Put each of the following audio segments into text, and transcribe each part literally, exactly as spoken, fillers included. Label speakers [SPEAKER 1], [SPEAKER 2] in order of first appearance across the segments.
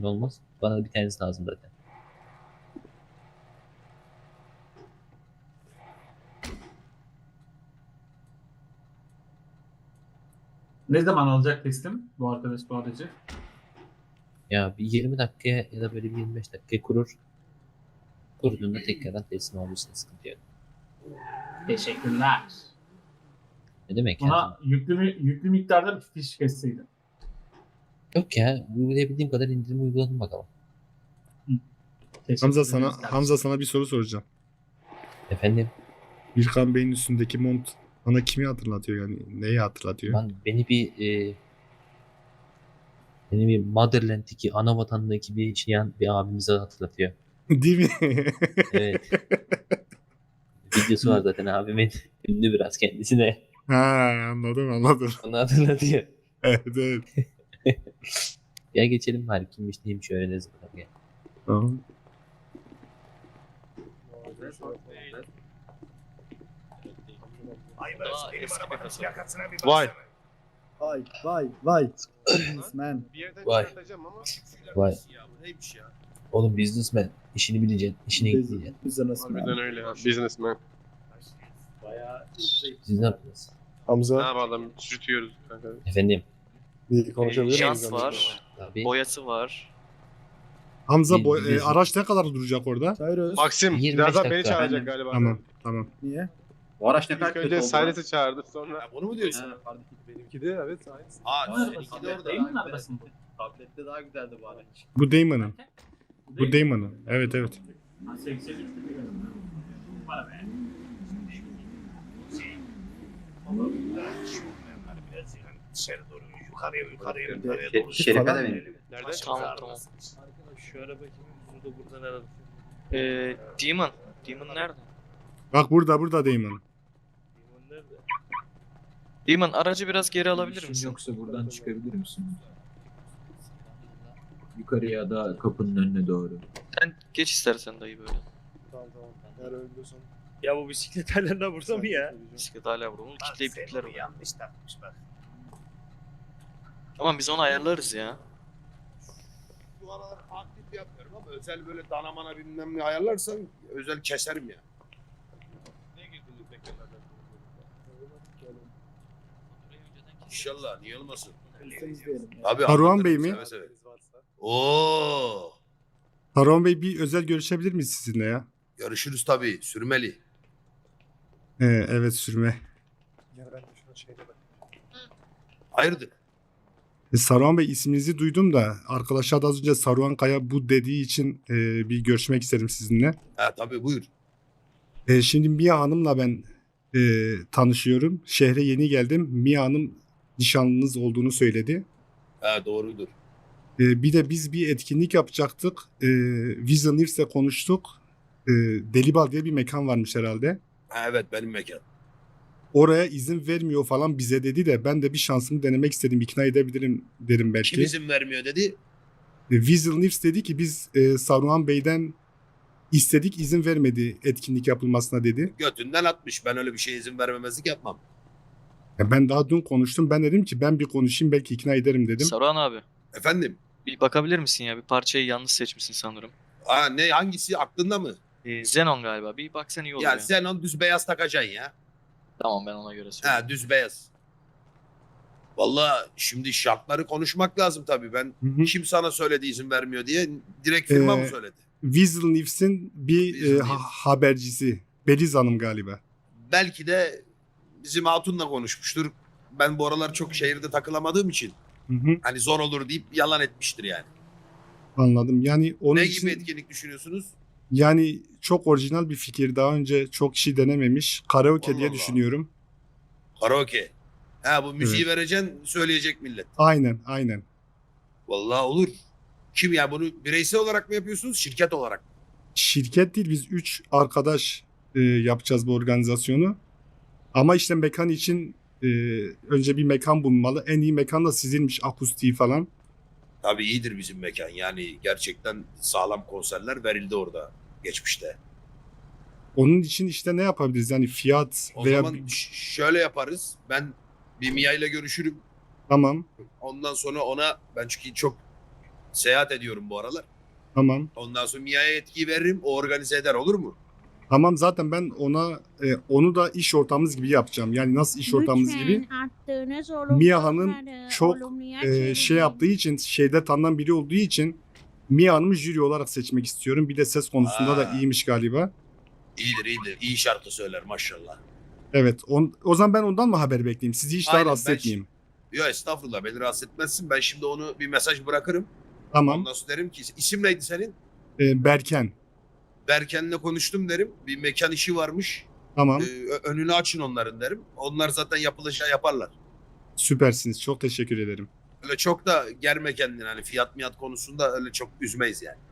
[SPEAKER 1] olmaz. Bana da bir tanesi lazım zaten.
[SPEAKER 2] Ne zaman alacak teslim bu arkadaş bu aracı?
[SPEAKER 1] Ya bir yirmi dakikaya ya da böyle bir yirmi beş dakikaya kurur. Kurduğunda tekrardan teslim olursa sıkıntı yok.
[SPEAKER 2] Teşekkürler.
[SPEAKER 1] Ne demek
[SPEAKER 2] Buna
[SPEAKER 1] ya?
[SPEAKER 2] yüklü, yüklü miktarda bir fiş kesseydin.
[SPEAKER 1] Yok ya. Uygulayabildiğim kadar indirim uyguladım bakalım.
[SPEAKER 2] Teşekkür
[SPEAKER 3] Hamza
[SPEAKER 2] ederiz
[SPEAKER 3] sana
[SPEAKER 2] kardeşim.
[SPEAKER 3] Hamza sana bir soru soracağım.
[SPEAKER 1] Efendim
[SPEAKER 3] Birkan Bey'in üstündeki mont bana kimi hatırlatıyor yani? Neyi hatırlatıyor?
[SPEAKER 1] ben beni bir e, beni bir Motherland'deki ana vatandaki bir şeyan bir abimize hatırlatıyor.
[SPEAKER 3] Değil mi?
[SPEAKER 1] Evet. Videosu var zaten abimin. Ünlü biraz kendisi de.
[SPEAKER 3] Ha, anladım anladım.
[SPEAKER 1] Onu hatırlatıyor.
[SPEAKER 3] Evet evet.
[SPEAKER 1] Ya geçelim bari kimmiş neymiş öğreniriz bakalım ya.
[SPEAKER 3] Tamam.
[SPEAKER 4] Vay.
[SPEAKER 5] Vay vay vay. Businessman.
[SPEAKER 4] Bir yerden
[SPEAKER 1] Vay.
[SPEAKER 4] çıkartacağım ama.
[SPEAKER 1] Vay.
[SPEAKER 4] Ya bu neymiş ya?
[SPEAKER 1] Oğlum businessman. İşini bileceksin. işine gideceksin.
[SPEAKER 5] Businessman.
[SPEAKER 4] Harbiden öyle ya. Businessman.
[SPEAKER 1] Siz ne yaptınız?
[SPEAKER 4] Ne
[SPEAKER 6] Hamza
[SPEAKER 4] yapalım? Sürtüyoruz kanka.
[SPEAKER 1] Efendim.
[SPEAKER 6] bir konuşabilir miyiz?
[SPEAKER 7] Şans
[SPEAKER 6] Hamza?
[SPEAKER 7] var.
[SPEAKER 1] Abi.
[SPEAKER 7] Boyası var.
[SPEAKER 3] Hamza
[SPEAKER 1] Bir-
[SPEAKER 3] boy-
[SPEAKER 1] bir-
[SPEAKER 3] e, araç ne kadar duracak orada?
[SPEAKER 5] Cyrus.
[SPEAKER 4] Maxim
[SPEAKER 1] yirmi beş
[SPEAKER 4] birazdan beni
[SPEAKER 1] dakika.
[SPEAKER 4] çağıracak galiba.
[SPEAKER 3] Tamam tamam.
[SPEAKER 5] Niye?
[SPEAKER 8] Bu araç ne kadar
[SPEAKER 4] İlk
[SPEAKER 8] kötü
[SPEAKER 4] önce
[SPEAKER 8] oldu.
[SPEAKER 4] Silas'ı çağırdı sonra.
[SPEAKER 8] Bunu mu diyorsun?
[SPEAKER 6] Benimki de evet aynısı.
[SPEAKER 8] Aa,
[SPEAKER 2] Seninki de orada. Değil mi arabasında?
[SPEAKER 8] Tablette daha güzeldi bu araç.
[SPEAKER 3] Bu Damon'ın. Bu Damon'ın. Evet evet.
[SPEAKER 2] Ha, seksen üç biliyorum. Bana be.
[SPEAKER 8] Dışarı doğru yukarıya yukarıya
[SPEAKER 5] Bir de-
[SPEAKER 8] yukarıya
[SPEAKER 5] Şe-
[SPEAKER 8] doğru.
[SPEAKER 5] Şerife
[SPEAKER 8] Falan
[SPEAKER 5] de
[SPEAKER 8] mı?
[SPEAKER 5] verelim.
[SPEAKER 4] Nereden
[SPEAKER 7] Tamam
[SPEAKER 4] çıktı?
[SPEAKER 7] tamam.
[SPEAKER 6] Şu araba kimin? Burada buradan aradım.
[SPEAKER 7] Ee, Demon. Demon nerede?
[SPEAKER 3] Bak burada burada Damon.
[SPEAKER 6] Limon nerede?
[SPEAKER 7] Demon aracı biraz geri alabilir
[SPEAKER 9] İşin
[SPEAKER 7] misin?
[SPEAKER 9] yoksa buradan çıkabilir misin? Yukarıya da kapının önüne doğru.
[SPEAKER 7] Sen geç istersen dayı böyle.
[SPEAKER 6] Tamam tamam. Eğer öyle diyorsan.
[SPEAKER 10] Ya bu bisiklet hala burada mı ya?
[SPEAKER 7] Bisiklet hala burada. Onu kitleyip
[SPEAKER 8] Sen
[SPEAKER 7] kitler
[SPEAKER 8] onu
[SPEAKER 7] onu.
[SPEAKER 8] yanlış takmış bak.
[SPEAKER 7] Tamam biz onu ayarlarız ya.
[SPEAKER 8] Bu aralar aktif yapmıyorum ama özel böyle danamana bilmem ne ayarlarsan özel keserim ya.
[SPEAKER 4] Ne girdin tekerlerden?
[SPEAKER 8] İnşallah niye olmasın?
[SPEAKER 5] Üstümüz diyelim. ya.
[SPEAKER 8] Abi
[SPEAKER 3] Saruhan
[SPEAKER 8] anlatırım,
[SPEAKER 3] Bey mi?
[SPEAKER 8] seve seve.
[SPEAKER 6] Varsa.
[SPEAKER 8] Oo,
[SPEAKER 3] Harun Bey bir özel görüşebilir miyiz sizinle ya?
[SPEAKER 8] görüşürüz tabii sürmeli.
[SPEAKER 3] Ee, evet sürme.
[SPEAKER 6] Gel ben de şuna şeyde bak.
[SPEAKER 8] Hayırdır?
[SPEAKER 3] E, Saruhan Bey isminizi duydum da arkadaşlar da az önce Saruhan Kaya bu dediği için e, bir görüşmek isterim sizinle.
[SPEAKER 8] Ha tabii buyur.
[SPEAKER 3] E, şimdi Mia Hanım'la ben e, tanışıyorum. Şehre yeni geldim. Mia Hanım nişanlınız olduğunu söyledi.
[SPEAKER 8] Ha doğrudur.
[SPEAKER 3] E, bir de biz bir etkinlik yapacaktık. E, Vision News'le konuştuk. E, Delibal diye bir mekan varmış herhalde.
[SPEAKER 8] Ha evet benim mekan.
[SPEAKER 3] Oraya izin vermiyor falan bize dedi de ben de bir şansımı denemek istedim. İkna edebilirim derim belki.
[SPEAKER 8] Kim izin vermiyor dedi.
[SPEAKER 3] E, Weasel Nifs dedi ki biz e, Saruhan Bey'den istedik izin vermedi etkinlik yapılmasına dedi.
[SPEAKER 8] Götünden atmış. Ben öyle bir şeye izin vermemezlik yapmam.
[SPEAKER 3] Ya ben daha dün konuştum. Ben dedim ki ben bir konuşayım belki ikna ederim dedim.
[SPEAKER 7] Saruhan abi.
[SPEAKER 8] Efendim?
[SPEAKER 7] Bir bakabilir misin ya? Bir parçayı yanlış seçmişsin sanırım.
[SPEAKER 8] Aa ne hangisi aklında mı?
[SPEAKER 7] Ee, Xenon galiba. Bir baksan iyi olur
[SPEAKER 8] Ya
[SPEAKER 7] ya.
[SPEAKER 8] sen onu düz beyaz takacaksın ya.
[SPEAKER 7] Tamam ben ona göre söyleyeyim.
[SPEAKER 8] Ha düz beyaz. Vallahi şimdi şartları konuşmak lazım tabii. Ben
[SPEAKER 3] Hı hı.
[SPEAKER 8] kim sana söyledi izin vermiyor diye direkt firma mı
[SPEAKER 3] Ee,
[SPEAKER 8] söyledi?
[SPEAKER 3] Weasel Nifs'in bir
[SPEAKER 8] Weasel
[SPEAKER 3] e,
[SPEAKER 8] Nifs.
[SPEAKER 3] ha- habercisi. Beliz Hanım galiba.
[SPEAKER 8] Belki de bizim hatunla konuşmuştur. Ben bu aralar çok şehirde takılamadığım için
[SPEAKER 3] Hı hı,
[SPEAKER 8] hani zor olur deyip yalan etmiştir yani.
[SPEAKER 3] anladım. Yani onun
[SPEAKER 8] ne
[SPEAKER 3] için
[SPEAKER 8] gibi etkinlik düşünüyorsunuz?
[SPEAKER 3] yani çok orijinal bir fikir. Daha önce çok kişi denememiş. Karaoke
[SPEAKER 8] Allah
[SPEAKER 3] diye
[SPEAKER 8] Allah.
[SPEAKER 3] düşünüyorum.
[SPEAKER 8] Karaoke. Ha bu müziği vereceksin söyleyecek millet.
[SPEAKER 3] Aynen aynen.
[SPEAKER 8] Vallahi olur. Kim ya bunu bireysel olarak mı yapıyorsunuz şirket olarak mı?
[SPEAKER 3] Şirket değil biz üç arkadaş e, yapacağız bu organizasyonu. Ama işte mekan için e, önce bir mekan bulunmalı. En iyi mekan da sizinmiş akustiği falan.
[SPEAKER 8] Tabii iyidir bizim mekan. Yani gerçekten sağlam konserler verildi orada geçmişte.
[SPEAKER 3] Onun için işte ne yapabiliriz? Yani fiyat
[SPEAKER 8] O
[SPEAKER 3] veya
[SPEAKER 8] zaman ş- şöyle yaparız. Ben bir Mia ile görüşürüm.
[SPEAKER 3] tamam.
[SPEAKER 8] Ondan sonra ona ben çünkü çok seyahat ediyorum bu aralar.
[SPEAKER 3] Tamam.
[SPEAKER 8] Ondan sonra Mia'ya yetkiyi veririm. O organize eder, olur mu?
[SPEAKER 3] Tamam zaten ben ona e, onu da iş ortağımız gibi yapacağım. Yani nasıl iş ortağımız gibi? Mia Hanım çok e, şey yaptığı için, şeyde tanınan biri olduğu için Mia Hanım'ı jüri olarak seçmek istiyorum. Bir de ses konusunda da
[SPEAKER 8] Aa.
[SPEAKER 3] iyiymiş galiba.
[SPEAKER 8] İyidir iyidir. İyi şarkı söyler maşallah.
[SPEAKER 3] Evet. On, o zaman ben ondan mı haber bekleyeyim? Sizi hiç daha
[SPEAKER 8] Aynen,
[SPEAKER 3] rahatsız
[SPEAKER 8] ben
[SPEAKER 3] etmeyeyim.
[SPEAKER 8] Yok estağfurullah, beni rahatsız etmezsin. Ben şimdi onu bir mesaj bırakırım.
[SPEAKER 3] Tamam.
[SPEAKER 8] Ondan sonra derim ki isim neydi senin?
[SPEAKER 3] E, Berken.
[SPEAKER 8] Berken'le konuştum derim. Bir mekan işi varmış.
[SPEAKER 3] Tamam.
[SPEAKER 8] Ee, ö- önünü açın onların derim. Onlar zaten yapılacağı yaparlar.
[SPEAKER 3] Süpersiniz. Çok teşekkür ederim.
[SPEAKER 8] Öyle çok da germe kendini, hani fiyat miyat konusunda öyle çok üzmeyiz yani.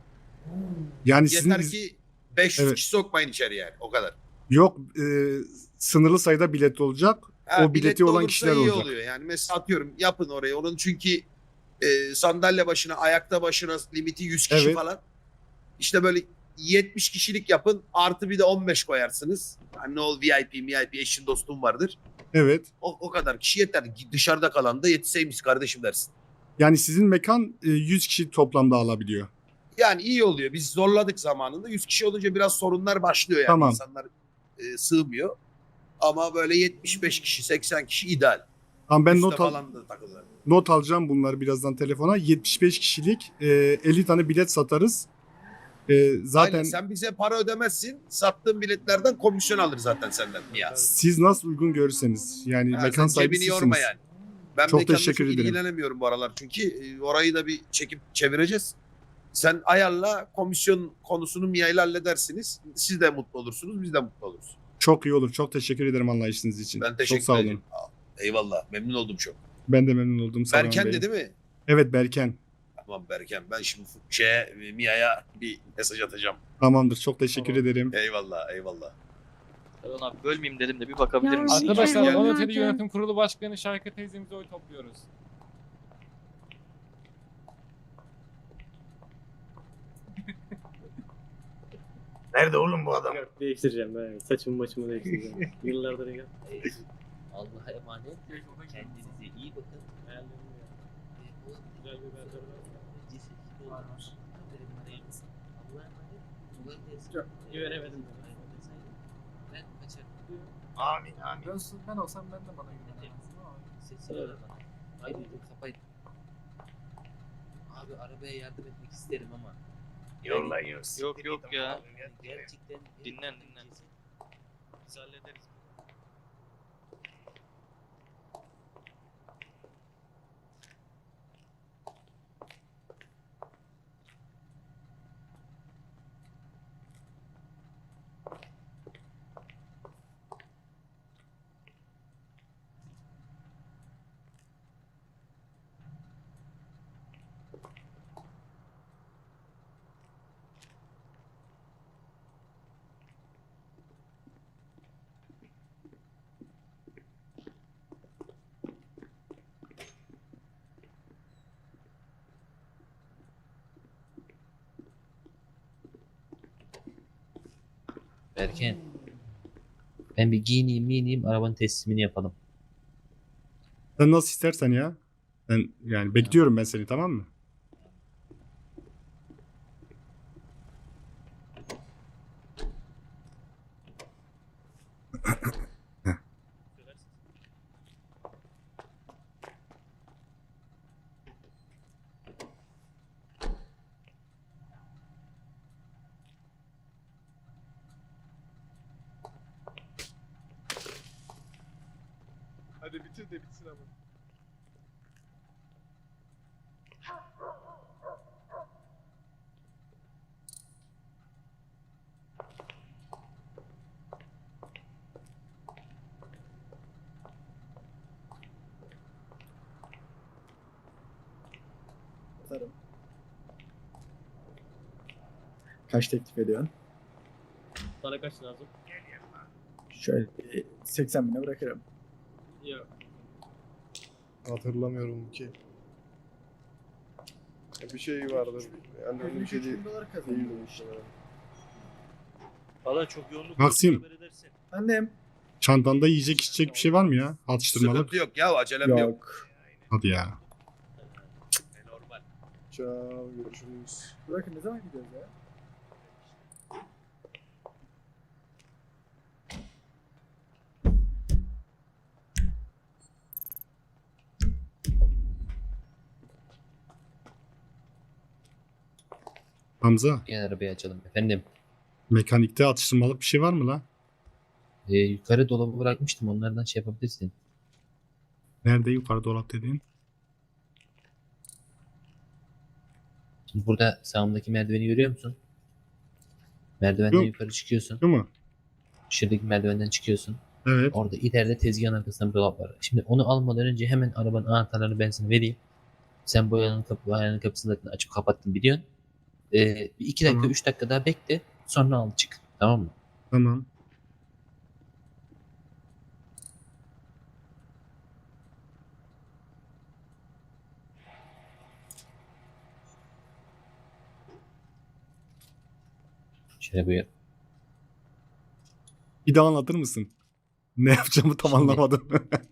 [SPEAKER 3] Yani sizin
[SPEAKER 8] Yeter ki beş yüz
[SPEAKER 3] Evet.
[SPEAKER 8] kişi sokmayın içeri yani, o kadar.
[SPEAKER 3] yok e, sınırlı sayıda bilet olacak.
[SPEAKER 8] Ha,
[SPEAKER 3] O bileti
[SPEAKER 8] biletli
[SPEAKER 3] olan
[SPEAKER 8] olursa
[SPEAKER 3] kişiler
[SPEAKER 8] iyi
[SPEAKER 3] olacak.
[SPEAKER 8] oluyor yani. Mesela atıyorum yapın orayı. Onun çünkü e, sandalye başına, ayakta başına limiti yüz kişi
[SPEAKER 3] Evet.
[SPEAKER 8] falan. İşte böyle yetmiş kişilik yapın. Artı bir de on beş koyarsınız. Hani ne ol V I P, V I P eşin dostum vardır.
[SPEAKER 3] Evet.
[SPEAKER 8] O, o kadar kişi yeter. Dışarıda kalan da yetişseymiş kardeşim dersin.
[SPEAKER 3] Yani sizin mekan e, yüz kişi toplamda alabiliyor.
[SPEAKER 8] Yani iyi oluyor. Biz zorladık zamanında. yüz kişi olunca biraz sorunlar başlıyor yani.
[SPEAKER 3] Tamam.
[SPEAKER 8] İnsanlar e, sığmıyor. Ama böyle yetmiş beş kişi, seksen kişi ideal.
[SPEAKER 3] Ama ben
[SPEAKER 8] Üste
[SPEAKER 3] not, al,
[SPEAKER 8] falan da takılır.
[SPEAKER 3] not alacağım bunları birazdan telefona. yetmiş beş kişilik e, elli tane bilet satarız. E, zaten
[SPEAKER 8] Aynen, sen bize para ödemezsin. Sattığın biletlerden komisyon alır zaten senden Mia.
[SPEAKER 3] siz nasıl uygun görürseniz. Yani
[SPEAKER 8] Ha,
[SPEAKER 3] mekan
[SPEAKER 8] sen
[SPEAKER 3] sahibi
[SPEAKER 8] cebini yorma
[SPEAKER 3] sizsiniz.
[SPEAKER 8] yani. Ben
[SPEAKER 3] Çok
[SPEAKER 8] mekanla
[SPEAKER 3] teşekkür
[SPEAKER 8] çok
[SPEAKER 3] ederim.
[SPEAKER 8] ilgilenemiyorum bu aralar çünkü e, orayı da bir çekip çevireceğiz. Sen ayarla, komisyon konusunu Mia ile halledersiniz. Siz de mutlu olursunuz, biz de mutlu oluruz.
[SPEAKER 3] Çok iyi olur. Çok teşekkür ederim anlayışınız için.
[SPEAKER 8] Ben teşekkür
[SPEAKER 3] Çok sağ olun.
[SPEAKER 8] ederim. Aa, eyvallah, memnun oldum çok.
[SPEAKER 3] Ben de memnun oldum. Saran
[SPEAKER 8] Berken
[SPEAKER 3] Bey.
[SPEAKER 8] de değil mi?
[SPEAKER 3] Evet Berken.
[SPEAKER 8] Tamam Berken, ben şimdi şeye, Mia'ya bir mesaj atacağım.
[SPEAKER 3] Tamamdır. Çok teşekkür ederim.
[SPEAKER 8] Eyvallah, eyvallah.
[SPEAKER 7] Erdoğan abi bölmeyeyim dedim de bir bakabilir
[SPEAKER 11] Ya,
[SPEAKER 7] misin?
[SPEAKER 11] Arkadaşlar
[SPEAKER 8] Gel.
[SPEAKER 11] Monetary Yönetim Kurulu Başkanı Şayka teyzemize oy topluyoruz.
[SPEAKER 8] Nerede oğlum bu adam?
[SPEAKER 10] Değiştireceğim ben. Saçımı maçımı değiştireceğim. Yıllardır ya.
[SPEAKER 1] Allah'a emanet. Kendinize iyi bakın.
[SPEAKER 10] Güzel bir berber var.
[SPEAKER 1] Allah'a emanet. Kolay gelsin.
[SPEAKER 10] Güvenemedim.
[SPEAKER 1] Ben kaçarım.
[SPEAKER 8] Amin amin.
[SPEAKER 6] Ben, ben olsam ben de bana güvenemezdim ama.
[SPEAKER 1] Sesini öyle bana. Haydi dur kapayın. Abi arabaya yardım etmek isterim ama.
[SPEAKER 8] Yollayıyoruz.
[SPEAKER 7] Yok yok ya.
[SPEAKER 1] Gerçekten
[SPEAKER 7] Dinlen dinlen. Biz hallederiz.
[SPEAKER 1] Berken. Ben bir giyineyim miyineyim arabanın teslimini yapalım.
[SPEAKER 3] Sen nasıl istersen ya. Ben yani bekliyorum ben seni, tamam mı?
[SPEAKER 4] Hadi bitir de bitsin ama.
[SPEAKER 5] Atarım. Kaç teklif ediyorsun?
[SPEAKER 10] Sana kaç lazım?
[SPEAKER 5] Şöyle bir seksen bine bırakırım.
[SPEAKER 10] Yok.
[SPEAKER 6] Hatırlamıyorum ki.
[SPEAKER 4] Bir şey vardır. Yani öyle bir şey değil.
[SPEAKER 5] dolar kazanıyor işte.
[SPEAKER 10] Valla çok yoğunluk.
[SPEAKER 3] Maksim.
[SPEAKER 10] yok, haber edersin.
[SPEAKER 5] Annem.
[SPEAKER 3] Çantanda yiyecek içecek bir şey var mı ya? Atıştırmalık.
[SPEAKER 8] Sıkıntı yok ya, acelem yok.
[SPEAKER 5] Yok.
[SPEAKER 3] Hadi ya.
[SPEAKER 8] Normal.
[SPEAKER 4] Ciao, görüşürüz.
[SPEAKER 5] Bırakın ne zaman gidiyoruz ya?
[SPEAKER 3] Hamza,
[SPEAKER 1] Gel arabayı açalım. Efendim.
[SPEAKER 3] mekanikte atıştırmalık bir şey var mı la?
[SPEAKER 1] E, yukarı dolabı bırakmıştım. Onlardan şey yapabilirsin.
[SPEAKER 3] Nerede yukarı dolap dediğin?
[SPEAKER 1] Şimdi burada sağımdaki merdiveni görüyor musun? Merdivenden
[SPEAKER 3] Yok.
[SPEAKER 1] yukarı çıkıyorsun.
[SPEAKER 3] Değil mi?
[SPEAKER 1] Şuradaki merdivenden çıkıyorsun.
[SPEAKER 3] Evet.
[SPEAKER 1] Orada ileride tezgahın arkasında bir dolap var. Şimdi onu almadan önce hemen arabanın anahtarlarını ben sana vereyim. Sen bu ayağının, kapı, ayağının kapısını zaten açıp kapattın biliyorsun. Ee, bir iki dakika,
[SPEAKER 3] Tamam.
[SPEAKER 1] üç dakika daha bekle. Sonra al çık. Tamam mı?
[SPEAKER 3] Tamam.
[SPEAKER 1] Şöyle buyur.
[SPEAKER 3] Bir daha anlatır mısın? Ne yapacağımı tam
[SPEAKER 1] Şimdi-
[SPEAKER 3] anlamadım.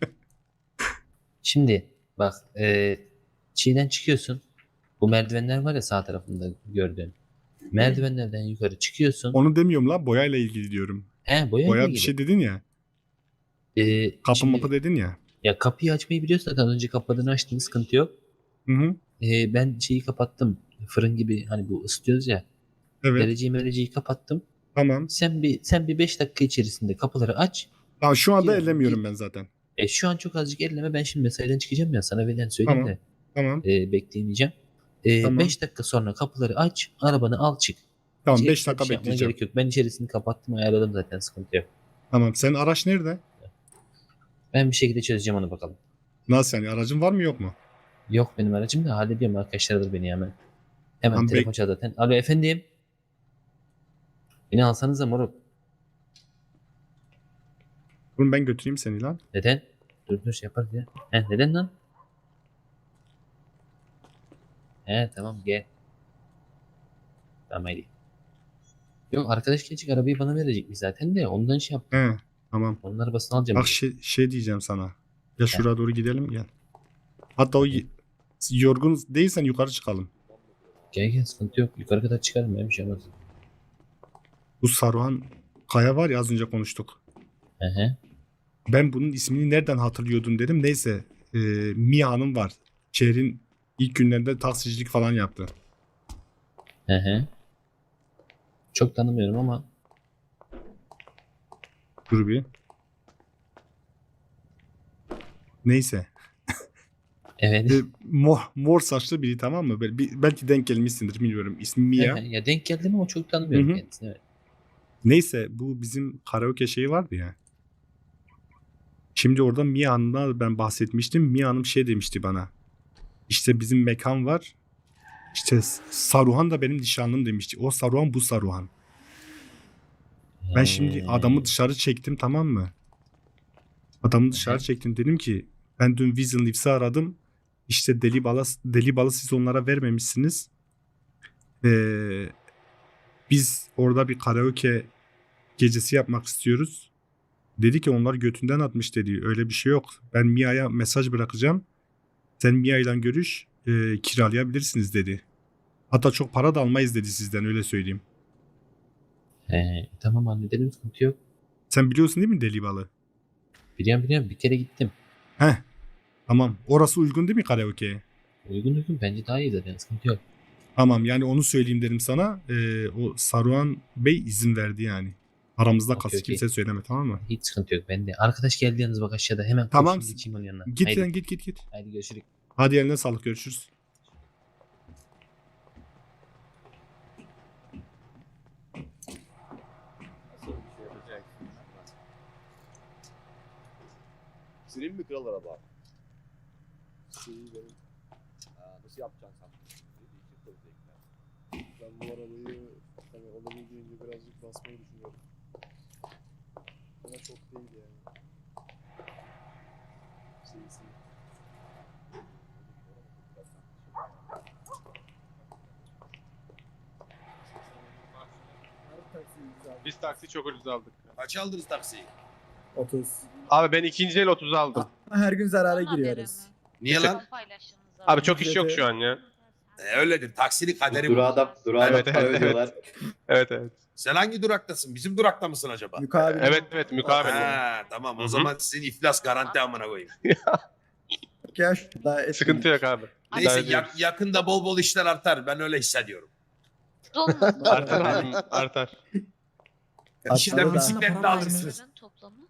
[SPEAKER 1] Şimdi bak e, çiğden çıkıyorsun. Bu merdivenler var ya sağ tarafında gördüğün. Merdivenlerden yukarı çıkıyorsun.
[SPEAKER 3] Onu demiyorum la, boyayla ilgili diyorum.
[SPEAKER 1] He boya
[SPEAKER 3] Boya
[SPEAKER 1] ile
[SPEAKER 3] bir
[SPEAKER 1] ilgili.
[SPEAKER 3] şey dedin ya.
[SPEAKER 1] Ee,
[SPEAKER 3] Kapı
[SPEAKER 1] şimdi-
[SPEAKER 3] mapı dedin ya.
[SPEAKER 1] Ya kapıyı açmayı biliyorsun zaten. Az önce kapadığını açtın, sıkıntı yok.
[SPEAKER 3] Hı hı.
[SPEAKER 1] Ee, ben şeyi kapattım. Fırın gibi hani bu ısıtıyoruz ya.
[SPEAKER 3] Evet.
[SPEAKER 1] Dereceyi mereceği kapattım.
[SPEAKER 3] Tamam.
[SPEAKER 1] Sen bir sen bir beş dakika içerisinde kapıları aç.
[SPEAKER 3] Tamam şu anda
[SPEAKER 1] Gir-
[SPEAKER 3] ellemiyorum
[SPEAKER 1] gir.
[SPEAKER 3] ben zaten.
[SPEAKER 1] E, şu an çok azıcık elleme. Ben şimdi mesaiden çıkacağım ya. Sana verilen söyleyeyim
[SPEAKER 3] Tamam.
[SPEAKER 1] de.
[SPEAKER 3] Tamam.
[SPEAKER 1] E, bekleyemeyeceğim. E,
[SPEAKER 3] Tamam.
[SPEAKER 1] beş dakika sonra kapıları aç. Arabanı al çık.
[SPEAKER 3] Tamam
[SPEAKER 1] Hiç
[SPEAKER 3] beş
[SPEAKER 1] ekstra bir
[SPEAKER 3] dakika
[SPEAKER 1] şey yapmana
[SPEAKER 3] bekleyeceğim.
[SPEAKER 1] gerek yok. Ben içerisini kapattım, ayarladım zaten, sıkıntı yok.
[SPEAKER 3] Tamam. Senin araç nerede?
[SPEAKER 1] Ben bir şekilde çözeceğim onu bakalım.
[SPEAKER 3] Nasıl yani? Aracın var mı yok mu?
[SPEAKER 1] Yok benim aracım da hallediyorum, arkadaşlar alır beni hemen. Hemen
[SPEAKER 3] Tamam,
[SPEAKER 1] telefon
[SPEAKER 3] bek-
[SPEAKER 1] çaldı zaten. Alo efendim. Beni alsanıza moruk.
[SPEAKER 3] Bunu ben götüreyim seni lan.
[SPEAKER 1] Neden? Dur dur şey yaparız ya. He neden lan? He tamam gel. Tamam haydi. Yok arkadaş gelecek, arabayı bana verecekmiş zaten de ondan şey yap.
[SPEAKER 3] He. Tamam.
[SPEAKER 1] Onun arabasını alacağım.
[SPEAKER 3] Bak
[SPEAKER 1] dedi.
[SPEAKER 3] şey, şey diyeceğim sana. Ya şuraya doğru gidelim gel. Hatta o y- yorgun değilsen yukarı çıkalım.
[SPEAKER 1] Gel gel, sıkıntı yok. Yukarı kadar çıkarım ya, bir şey olmaz.
[SPEAKER 3] Bu Saruhan Kaya var ya, az önce konuştuk.
[SPEAKER 1] Hı hı.
[SPEAKER 3] Ben bunun ismini nereden hatırlıyordum dedim. Neyse. E, Mia Hanım var. Şehrin ilk günlerinde taksicilik falan yaptı.
[SPEAKER 1] Hı hı. Çok tanımıyorum ama
[SPEAKER 3] Dur bir. Neyse.
[SPEAKER 1] evet.
[SPEAKER 3] E, mor, mor saçlı biri, tamam mı? Bel- bir- belki denk gelmişsindir, bilmiyorum. İsmi Mia.
[SPEAKER 1] Hı hı. Ya denk geldim ama çok tanımıyorum
[SPEAKER 3] Hı hı.
[SPEAKER 1] kendisini. Evet.
[SPEAKER 3] Neyse, bu bizim karaoke şeyi vardı ya. Şimdi orada Mia Hanım'dan ben bahsetmiştim. Mia Hanım şey demişti bana. İşte bizim mekan var. İşte Saruhan da benim nişanlım demişti. O Saruhan, bu Saruhan. Ben şimdi
[SPEAKER 1] He.
[SPEAKER 3] adamı dışarı çektim, tamam mı? Adamı dışarı
[SPEAKER 1] Hı.
[SPEAKER 3] çektim. Dedim ki ben dün Vision Leaves'i aradım. İşte deli balı, deli balı siz onlara vermemişsiniz. Ee, biz orada bir karaoke gecesi yapmak istiyoruz. Dedi ki onlar götünden atmış dedi. Öyle bir şey yok. Ben Mia'ya mesaj bırakacağım. Sen Mia ile görüş, e, kiralayabilirsiniz dedi. Hatta çok para da almayız dedi sizden, öyle söyleyeyim.
[SPEAKER 1] He, tamam halledelim, sıkıntı yok.
[SPEAKER 3] Sen biliyorsun değil mi deli balı?
[SPEAKER 1] Biliyorum biliyorum, bir kere gittim.
[SPEAKER 3] Heh. Tamam. Orası uygun değil mi karaoke'ye?
[SPEAKER 1] Uygun uygun, bence daha iyi zaten, sıkıntı yok.
[SPEAKER 3] Tamam, yani onu söyleyeyim dedim sana. Ee, o Saruhan Bey izin verdi yani. Aramızda
[SPEAKER 1] Okey,
[SPEAKER 3] kalsın,
[SPEAKER 1] okey.
[SPEAKER 3] kimse söyleme, tamam mı?
[SPEAKER 1] Hiç sıkıntı yok bende. Arkadaş geldi yalnız bak aşağıda, hemen
[SPEAKER 3] Tamam.
[SPEAKER 1] koşayım geçeyim onun yanına.
[SPEAKER 3] Git
[SPEAKER 1] haydi,
[SPEAKER 3] lan, git git git.
[SPEAKER 1] haydi görüşürüz.
[SPEAKER 3] Hadi eline sağlık, görüşürüz.
[SPEAKER 4] Senin mi kral araba? Senin benim. Nasıl yapacaksın sen? Ben bu arabayı hani olabildiğince birazcık basmayı düşünüyorum. Ama çok değil yani. Şeysi.
[SPEAKER 6] Biz taksi çok ucuz aldık.
[SPEAKER 8] Kaç aldınız taksiyi?
[SPEAKER 5] otuz.
[SPEAKER 6] Abi ben ikinci el otuz aldım.
[SPEAKER 5] Her gün zarara giriyoruz.
[SPEAKER 8] Niye lan?
[SPEAKER 6] Abi çok iş yok şu an ya.
[SPEAKER 8] E, öyledir. Taksinin kaderi bu.
[SPEAKER 9] Durağa da, durağa da
[SPEAKER 6] Evet,
[SPEAKER 9] para
[SPEAKER 6] evet,
[SPEAKER 9] ödüyorlar.
[SPEAKER 6] Evet evet.
[SPEAKER 8] Sen hangi duraktasın? Bizim durakta mısın acaba?
[SPEAKER 5] Mukabele.
[SPEAKER 6] Evet evet mukabele.
[SPEAKER 8] Ha, tamam o
[SPEAKER 6] Hı hı.
[SPEAKER 8] zaman sizin iflas garanti amına koyayım.
[SPEAKER 5] Ya şurada etmeyin.
[SPEAKER 6] Sıkıntı yok abi.
[SPEAKER 8] Neyse
[SPEAKER 6] Derdi yok.
[SPEAKER 8] yak- yakında bol bol işler artar. Ben öyle hissediyorum.
[SPEAKER 6] Artar abi artar.
[SPEAKER 8] İşte
[SPEAKER 5] Artar da.
[SPEAKER 8] bisikletle alırsınız.
[SPEAKER 12] Toplamı.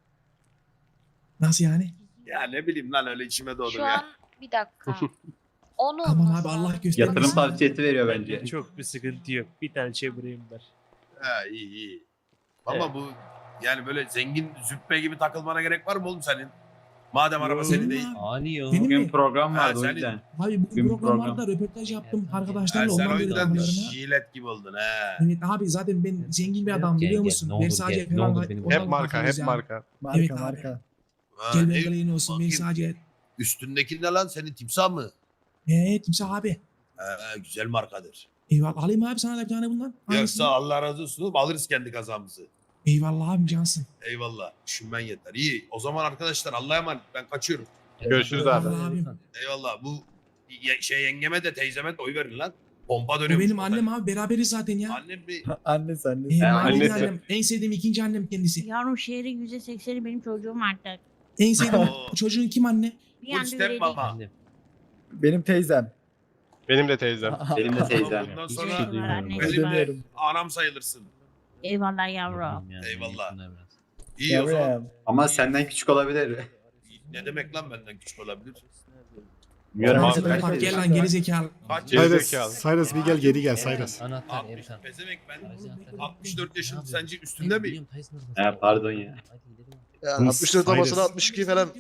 [SPEAKER 5] Nasıl yani?
[SPEAKER 8] Ya ne bileyim lan öyle içime doğdu
[SPEAKER 12] Şu
[SPEAKER 8] ya.
[SPEAKER 12] an bir dakika. Onun
[SPEAKER 5] Aman abi Allah göstermesin.
[SPEAKER 9] Yatırım tavsiyesi veriyor bence.
[SPEAKER 10] Çok bir sıkıntı yok. Bir tane çevireyim ver.
[SPEAKER 8] Ha iyi iyi. Ama bu yani böyle zengin züppe gibi takılmana gerek var mı oğlum senin? Madem araba senin değil.
[SPEAKER 1] Ani ya.
[SPEAKER 5] Benim
[SPEAKER 9] Bugün
[SPEAKER 5] mi?
[SPEAKER 9] program
[SPEAKER 8] Ha,
[SPEAKER 9] vardı o
[SPEAKER 8] senin-
[SPEAKER 9] yüzden.
[SPEAKER 5] Abi bugün
[SPEAKER 9] Bugün
[SPEAKER 5] program
[SPEAKER 9] program.
[SPEAKER 5] vardı, röportaj yaptım
[SPEAKER 8] Ha,
[SPEAKER 5] arkadaşlarla.
[SPEAKER 8] sen
[SPEAKER 5] Ondan
[SPEAKER 8] o
[SPEAKER 5] dedim
[SPEAKER 8] yüzden
[SPEAKER 5] onlarına.
[SPEAKER 8] jilet gibi oldun ha.
[SPEAKER 5] Evet abi zaten ben zengin bir adam
[SPEAKER 1] Gel,
[SPEAKER 5] biliyor
[SPEAKER 1] gel,
[SPEAKER 5] musun?
[SPEAKER 1] ne olur
[SPEAKER 5] Versace
[SPEAKER 1] gel, ne
[SPEAKER 5] falan
[SPEAKER 1] olur
[SPEAKER 5] var.
[SPEAKER 1] beni
[SPEAKER 5] Ondan
[SPEAKER 6] Hep marka
[SPEAKER 5] bakıyoruz
[SPEAKER 6] hep
[SPEAKER 5] yani.
[SPEAKER 6] marka.
[SPEAKER 5] Marka Evet abi. marka.
[SPEAKER 8] Ha,
[SPEAKER 5] Gel
[SPEAKER 8] ne-
[SPEAKER 5] ben galayın olsun
[SPEAKER 8] bakayım.
[SPEAKER 5] Versace.
[SPEAKER 8] Üstündeki ne lan senin timsah mı?
[SPEAKER 5] Evet timsah abi.
[SPEAKER 8] Ha, güzel markadır.
[SPEAKER 5] Eyvallah alayım abi sana da bir tane bundan. Hangisini?
[SPEAKER 8] Yoksa Allah razı olsun oğlum, alırız kendi kazamızı.
[SPEAKER 5] Eyvallah abim cansın.
[SPEAKER 8] Eyvallah. Düşünmen yeter. İyi. O zaman arkadaşlar Allah'a emanet. Ben kaçıyorum.
[SPEAKER 6] Görüşürüz abi.
[SPEAKER 5] Eyvallah abim.
[SPEAKER 8] Eyvallah. Bu ye- şey yengeme de teyzeme de oy verin lan. Pompa
[SPEAKER 5] O
[SPEAKER 8] dönüyor.
[SPEAKER 5] benim annem abi beraberiz zaten ya.
[SPEAKER 8] Annem bir...
[SPEAKER 5] Annesi annesi.
[SPEAKER 9] Ha,
[SPEAKER 5] Eyvallah
[SPEAKER 6] annesi.
[SPEAKER 5] annem. En sevdiğim ikinci annem kendisi.
[SPEAKER 12] Yavrum şehrin yüzde sekseni benim çocuğum artık.
[SPEAKER 5] En sevdiğim
[SPEAKER 8] Oo.
[SPEAKER 5] çocuğun kim anne?
[SPEAKER 12] Bir
[SPEAKER 8] Full
[SPEAKER 12] anda
[SPEAKER 8] step
[SPEAKER 12] öyle
[SPEAKER 8] mama.
[SPEAKER 1] Annem.
[SPEAKER 5] Benim teyzem.
[SPEAKER 6] Benim de teyzem.
[SPEAKER 9] Benim de teyzem.
[SPEAKER 8] Bundan
[SPEAKER 1] Hiçbir
[SPEAKER 8] sonra
[SPEAKER 1] şey duymuyorum.
[SPEAKER 12] Annesi
[SPEAKER 1] bak.
[SPEAKER 8] benim de
[SPEAKER 5] Ödemiyorum.
[SPEAKER 8] anam sayılırsın.
[SPEAKER 12] Eyvallah yavrum.
[SPEAKER 1] Yani,
[SPEAKER 8] Eyvallah.
[SPEAKER 1] şuna biraz.
[SPEAKER 8] İyi o zaman.
[SPEAKER 5] Yavrum.
[SPEAKER 9] Ama senden küçük olabilir.
[SPEAKER 8] Ne demek lan benden küçük olabilir?
[SPEAKER 9] Bilmiyorum
[SPEAKER 5] Sen
[SPEAKER 9] abi.
[SPEAKER 5] de bak, gel lan gerizekalı.
[SPEAKER 8] Kaç
[SPEAKER 6] Geri
[SPEAKER 3] Cyrus,
[SPEAKER 6] zekalı.
[SPEAKER 3] Cyrus bir gel geri gel Cyrus.
[SPEAKER 1] Anahtar
[SPEAKER 8] altmış.
[SPEAKER 1] Erkan.
[SPEAKER 8] Pezevenk ben
[SPEAKER 1] Aracı anahtarı.
[SPEAKER 8] altmış dört yaşında
[SPEAKER 1] Ne
[SPEAKER 8] sence
[SPEAKER 1] yapıyorsun?
[SPEAKER 8] üstünde
[SPEAKER 1] Hayır,
[SPEAKER 8] miyim?
[SPEAKER 1] biliyorum, Tyson'ın arabası.
[SPEAKER 9] He, pardon ya.
[SPEAKER 1] Hadi gidelim.
[SPEAKER 3] Hı,
[SPEAKER 4] altmış dört olmasına
[SPEAKER 3] Cyrus.
[SPEAKER 4] altmış iki falan.